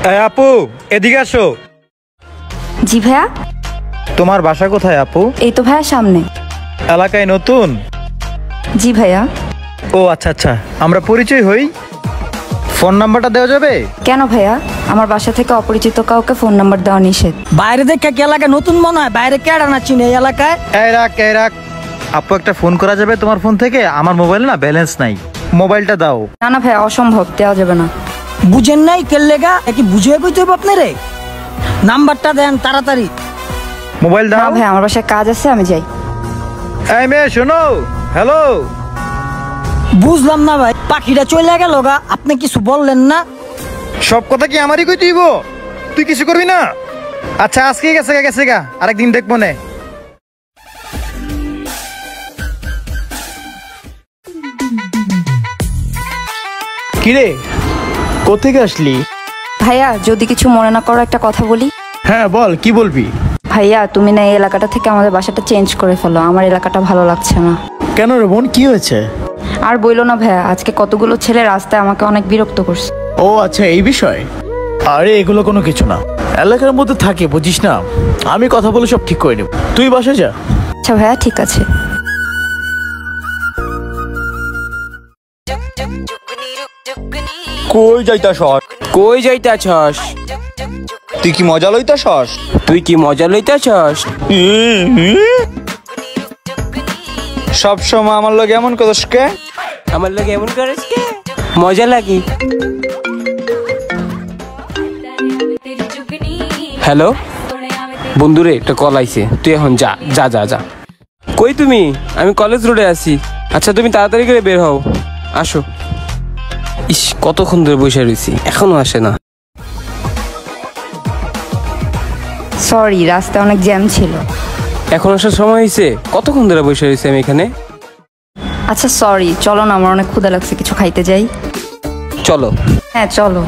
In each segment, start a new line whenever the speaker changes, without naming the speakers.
আপু এদিকে আসো।
জি ভাইয়া।
তোমার বাসা কোথায় আপু?
এই তো ভাইয়া সামনে।
এলাকায় নতুন?
জি ভাইয়া।
ও আচ্ছা আচ্ছা, আমরা পরিচয় হই। ফোন নাম্বারটা দেওয়া যাবে?
কেন ভাইয়া? আমার বাসা থেকে অপরিচিত কাউকে ফোন নাম্বার দেওয়া নিষেধ।
বাইরে দেখে কি এলাকায় নতুন মনে হয়? বাইরে কেডা না চিনে এই এলাকায়?
এই রাখ আপু, একটা ফোন করা যাবে তোমার ফোন থেকে? আমার মোবাইল না ব্যালেন্স নাই, মোবাইলটা দাও।
না না ভাইয়া, অসম্ভব, দেওয়া যাবে না।
বুঝেন নাই কেলেগা? কি বুঝিয়ে কইতে হবে আপনারে? নাম্বারটা দেন তাড়াতাড়ি।
মোবাইল
না
দাও।
ভাই, আমার বাসায় কাজ আছে, আমি যাই।
এই মেয়ে শোনো, হ্যালো।
বুঝলাম না ভাই, পাখিটা চলে গেল গা, আপনি কিছু বললেন না?
সব কথা কি আমারই কই তুইব? তুই কিছু করবি না? আচ্ছা আজকে গেছে গা, আরেকদিন দেখবো নে।
কিরে, কোথেকে আসলি?
ভাইয়া যদি কিছু মনে না করো, একটা কথা বলি।
হ্যাঁ বল, কি বলবি?
ভাইয়া তুমি না এই এলাকাটা থেকে আমাদের বাসাটা চেঞ্জ করে ফেলো, আমার এলাকাটা ভালো লাগছে না।
কেন রে বোন, কি হয়েছে?
আর বইলো না ভাইয়া, আজকে কতগুলো ছেলে রাস্তায় আমাকে অনেক বিরক্ত করছে।
ও আচ্ছা, এই বিষয়। আরে এগুলো কোনো কিছু না, এলাকার মধ্যে থাকে, বুঝিস না। আমি কথা বলে সব ঠিক করে নেব, তুই বাসে যা।
আচ্ছা ভাইয়া, ঠিক আছে।
কই যাইতাছস?
কই যাইতাছস?
তুই কি মজা লইতাছস?
তুই কি মজা লইতাছস?
সব সময় আমার লগে এমন করস কে?
আমার লগে এমন করিস কে? মজা লাগি। হ্যালো বন্ধুরে, একটা কল আইছে, তুই এখন যা যা যা যা। কই তুমি? আমি কলেজ রোডে আছি। আচ্ছা তুমি তাড়াতাড়ি করে বের হও, আসো। ইস, কতক্ষণ ধরে বসে রয়েছি, এখনো আসে না।
সরি, রাস্তায় অনেক জ্যাম ছিল।
এখন আসার সময় হয়েছে? কতক্ষণ ধরে বসে রয়েছি আমি এখানে।
আচ্ছা সরি, চলো না, আমার অনেক ক্ষুধা লাগছে, কিছু খাইতে যাই।
চলো।
হ্যাঁ চলো।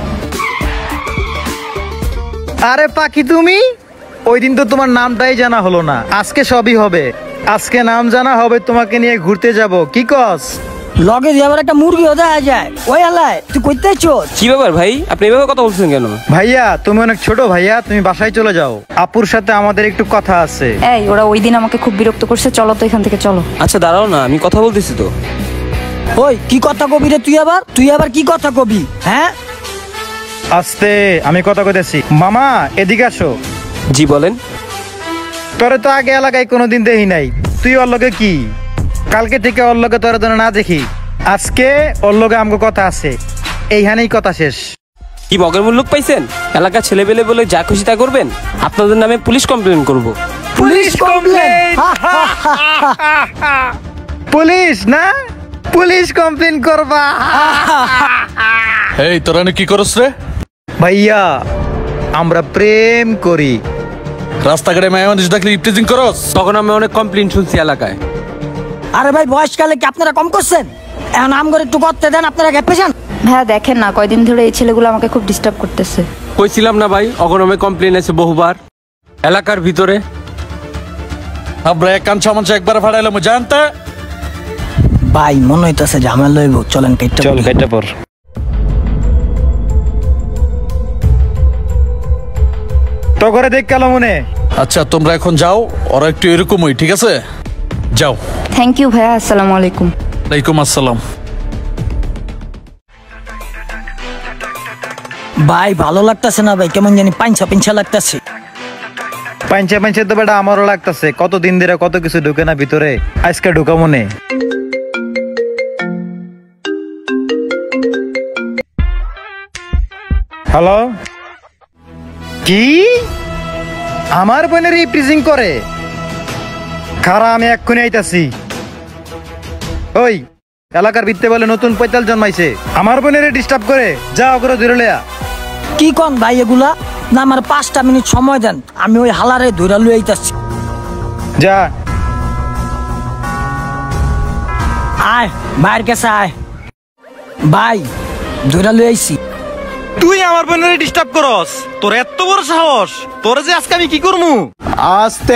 আরে পাখি তুমি, ওই দিন তো তোমার নামটাই জানা হলো না। আজকে সবই হবে, আজকে নাম জানা হবে, তোমাকে নিয়ে ঘুরতে যাব। কি কস?
লগে দিয়ে আবার একটা মুরগিও দেখা যায় ওই এলাকায়, তুই কইতে চোর?
কি ব্যাপার ভাই, আপনি এভাবে কথা বলছেন কেন?
ভাইয়া তুমি অনেক ছোট, ভাইয়া তুমি বাসায় চলে যাও, আপুর সাথে আমাদের একটু কথা আছে।
এই ওরা ওই দিন আমাকে খুব বিরক্ত করছে, চলো তো এখান থেকে, চলো।
আচ্ছা দাঁড়াও না, আমি কথা বলতেছি তো।
ওই কি কথা কবি রে তুই আবার কি কথা কবি? হ্যাঁ
আস্তে, আমি কথা কইতেছি। মামা এদিকে আসো।
জি বলেন।
তোরে তো আগে এলাকায় কোনোদিন দেখি নাই, তুই ওর লগে কি? কালকে থেকে ওর লগে তোর না দেখি, আজকে ওর লগে আমগো কথা আছে, এইখানেই কথা শেষ।
কি মগের মূল্য পাইছেন? এলাকার ছেলেবেলে বলে যা খুশি তা করবেন? আপনাদের নামে পুলিশ কমপ্লেন করব।
Police complain?
পুলিশ না, পুলিশ কমপ্লেন করবা?
এই তোরা কি করস রে?
ভাইয়া আমরা প্রেম করি।
রাস্তাঘাটে মেয়ে মানুষ দেখলে ইপটিজিং করস?
তখন আমি অনেক কমপ্লেন শুনছি এলাকায়।
আরে ভাই, বয়সকালে কি আপনারা কম করছেন? এখন আম করে একটু করতে দেন, আপনারা খেপেছেন।
ভাইয়া দেখেন না, কয়দিন ধরে এই ছেলেগুলো আমাকে খুব ডিস্টার্ব করতেছে।
কইছিলাম না ভাই, অগণমে কমপ্লেন আছে বহুবার এলাকার ভিতরে।
আমরা এক কান সামানসা একবার ফাড়াইলাম, জানতে
ভাই মনে হইতেছে ঝামেলা লইব, চলেন কেটে
চল কেটে পর। তো করে দেখ কালো মনে।
আচ্ছা তোমরা এখন যাও, ওরা একটু এরকমই, ঠিক আছে? যাও।
থ্যাংক ইউ ভাইয়া, আসসালামু আলাইকুম।
ওয়ালাইকুম আসসালাম।
ভাই ভালো লাগতেছে না ভাই, কেমন জানি পাঞ্চা লাগতেছে।
পাঞ্চে তো বেটা আমারও লাগতেছে, কতদিন ধরে কত কিছু ঢুকে না ভিতরে, আজকে ঢুকা মনে। হ্যালো, কি আমার বোনের রিপ্রেজিং করে? খারা, আমি এক্ষুনি আইতাছি। ওই এলাকার ভিত্তে বলে নতুন পৈতাল জন্মাইছে, আমার বোনের ডিস্টার্ব করে, যা ওগুলো ধরে লেয়া।
কি কন ভাই এগুলা? না আমার 5টা মিনিট সময় দেন, আমি ওই হালারে ধইরা লই আইতাছি।
যা।
আয় বাইরের কাছে আয়। ভাই ধইরা লই আইছি।
তুই আমার বোনের ডিস্টার্ব করস? তোর এত বড় সাহস! তোরে যে আজকে আমি কি করমু?
আস্তে,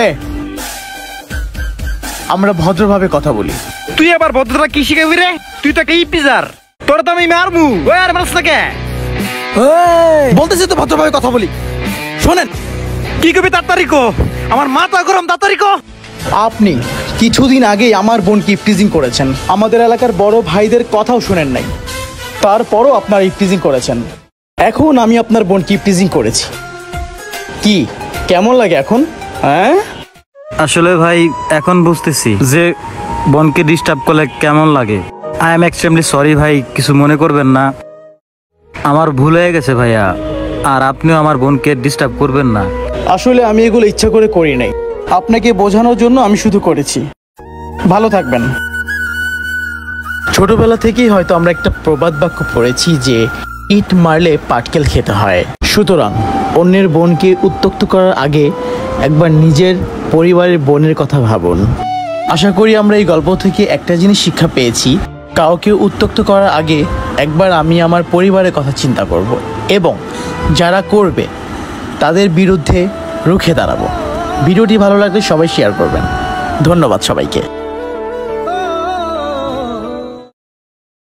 আমরা ভদ্রভাবে কথা বলি।
তুই আবার ভদ্রতা কি শিখাবি রে? তুই তো একটা ইপিজার, তোর তো আমি মারমু। ওই আর মারছ না কে?
এই,
বলতেছি তো ভদ্রভাবে কথা বলি, শোনেন।
কি কবি তাড়াতাড়ি কো, আমার মাথা গরম, তাড়াতাড়ি কো।
আপনি কিছুদিন আগেই আমার বোনকে ইফটিজিং করেছেন, আমাদের এলাকার বড় ভাইদের কথাও শুনেন নাই, তারপরও আপনার ইফটিজিং করেছেন। এখন আমি আপনার বোনকে ইফটিজিং করেছি, কি কেমন লাগে এখন? হ্যাঁ,
আসলে ভাই এখন বুঝতেছি যে বোনকে ডিস্টার্ব করলে কেমন লাগে। আই এম এক্সট্রিমলি সরি ভাই, কিছু মনে করবেন না, আমার ভুল হয়ে গেছে ভাইয়া। আর আপনিও আমার বোনকে ডিস্টার্ব করবেন না।
আসলে আমি এগুলো ইচ্ছা করে করি নাই, আপনাকে বোঝানোর জন্য আমি শুধু করেছি। ভালো থাকবেন। ছোটবেলা থেকেই হয়তো আমরা একটা প্রবাদ বাক্য পড়েছি যে ইট মারলে পাটকেল খেতে হয়। সুতরাং অন্যের বোনকে উত্ত্যক্ত করার আগে একবার নিজের পরিবারের বোনের কথা ভাবুন। আশা করি আমরা এই গল্প থেকে একটা জিনিস শিক্ষা পেয়েছি, কাউকে উত্ত্যক্ত করার আগে একবার আমি আমার পরিবারের কথা চিন্তা করব এবং যারা করবে তাদের বিরুদ্ধে রুখে দাঁড়াবো। ভিডিওটি ভালো লাগলে সবাই শেয়ার করবেন। ধন্যবাদ সবাইকে।